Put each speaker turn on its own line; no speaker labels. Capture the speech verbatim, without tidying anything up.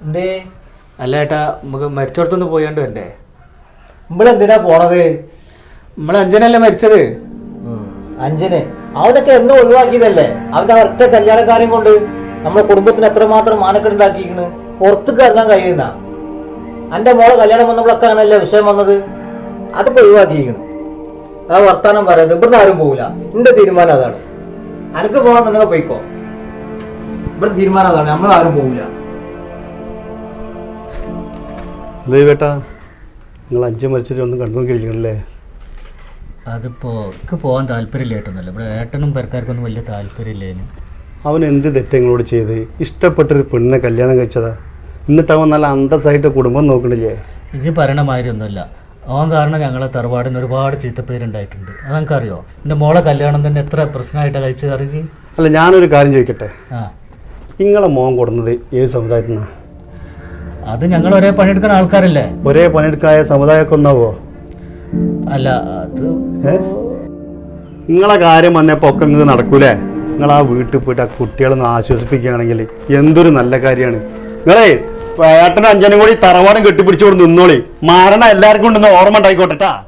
അല്ല ഏട്ടാ നമുക്ക് മരിച്ചോടത്തൊന്ന് പോയാണ്ട് വരണ്ടേ?
നമ്മളെന്തിനാ പോണത്?
നമ്മൾ അഞ്ജനല്ലേ മരിച്ചത്?
അഞ്ജന് അവനൊക്കെ എന്നെ ഒഴിവാക്കിയതല്ലേ? അവന്റെ ഒറ്റ കല്യാണക്കാരെയും കൊണ്ട് നമ്മുടെ കുടുംബത്തിന് എത്രമാത്രം മാനക്കെടുണ്ടാക്കിയിരിക്കണ്. പുറത്തേക്ക് ഇറങ്ങാൻ കഴിയുന്ന എന്റെ മോളെ കല്യാണം വന്നപ്പോഴൊക്കെ ആണല്ലേ വിഷയം വന്നത്. അതൊക്കെ ഒഴിവാക്കിയിരിക്കണം. ആ വർത്താനം പറയാതെ ഇവിടുന്ന് ആരും പോകില്ല. എന്റെ തീരുമാനം അതാണ്. അനക്ക് പോകണമെന്നുണ്ടെങ്കിൽ പോയിക്കോ. ഇവിടെ തീരുമാനം അതാണ്. നമ്മൾ ആരും പോകില്ല.
ഏട്ടാ നിങ്ങൾ അഞ്ച് മരിച്ചിട്ട് ഒന്നും കണ്ടു നോക്കിയിരിക്കണല്ലേ?
അതിപ്പോൾ എനിക്ക് പോകാൻ താല്പര്യമില്ലായിട്ടൊന്നുമല്ല. ഇവിടെ ഏട്ടനും പെരക്കാർക്കൊന്നും വലിയ താല്പര്യമില്ലേന്.
അവൻ എന്ത് തെറ്റങ്ങളോട് ചെയ്ത് ഇഷ്ടപ്പെട്ടൊരു പെണ്ണിനെ കല്യാണം കഴിച്ചതാ. എന്നിട്ട് അവൻ നല്ല അന്തസ്സായിട്ട് കുടുംബം നോക്കണില്ലേ?
ഇത് പറയണ മാതിരി ഒന്നുമില്ല. അവൻ കാരണം ഞങ്ങളെ തറവാടിന് ഒരുപാട് ചീത്തപ്പേരുണ്ടായിട്ടുണ്ട്. അതെനിക്കറിയോ? എൻ്റെ മോളെ കല്യാണം തന്നെ എത്ര പ്രശ്നമായിട്ടാണ് കഴിച്ചത് അറിയി.
അല്ല ഞാനൊരു കാര്യം ചോദിക്കട്ടെ,
ആ
നിങ്ങളെ മോൻ കൊടുന്നത് ഏത് സമുദായത്തിൽ നിന്നാണ്?
അത് ഞങ്ങൾ ഒരേ പണിയെടുക്കുന്ന ആൾക്കാരല്ലേ.
ഒരേ പണിയെടുക്കായ സമുദായമൊക്കെ ഒന്നാവോ?
അല്ല അത്
നിങ്ങളെ കാര്യം വന്നപ്പോൾ ഒക്കെ നിങ്ങൾക്ക് നടക്കൂലേ? നിങ്ങൾ ആ വീട്ടിൽ പോയിട്ട് ആ കുട്ടികളൊന്ന് ആശ്വസിപ്പിക്കുകയാണെങ്കിൽ എന്തൊരു നല്ല കാര്യമാണ്. നിങ്ങളെ ഏട്ടനും അഞ്ചനും കൂടി തറവാടും കെട്ടിപ്പിടിച്ചുകൊണ്ട് നിന്നോളി. മരണം എല്ലാവർക്കും ഉണ്ടെന്ന് ഓർമ്മ ഉണ്ടായിക്കോട്ടെട്ടാ.